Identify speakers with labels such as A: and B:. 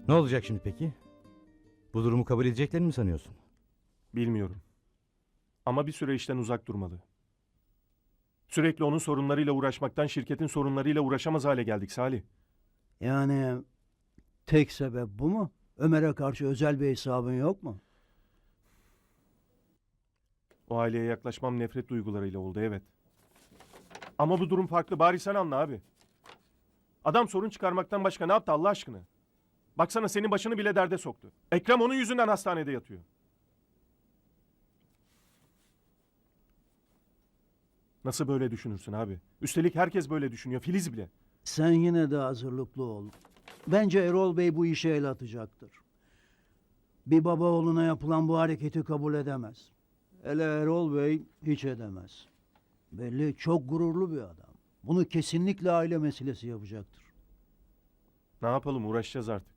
A: Ne olacak şimdi peki? Bu durumu kabul edeceklerini mi sanıyorsun?
B: Bilmiyorum. Ama bir süre işten uzak durmalı. Sürekli onun sorunlarıyla uğraşmaktan şirketin sorunlarıyla uğraşamaz hale geldik Salih.
C: Yani tek sebep bu mu? Ömer'e karşı özel bir hesabın yok mu?
B: O aileye yaklaşmam nefret duygularıyla oldu, evet. Ama bu durum farklı. Bari sen anla abi. Adam sorun çıkarmaktan başka ne yaptı Allah aşkına? Baksana senin başını bile derde soktu. Ekrem onun yüzünden hastanede yatıyor. Nasıl böyle düşünürsün abi? Üstelik herkes böyle düşünüyor. Filiz bile.
C: Sen yine de hazırlıklı ol. Bence Erol Bey bu işe el atacaktır. Bir baba oğluna yapılan bu hareketi kabul edemez. Hele Erol Bey hiç edemez. Belli çok gururlu bir adam. Bunu kesinlikle aile meselesi yapacaktır.
B: Ne yapalım, uğraşacağız artık.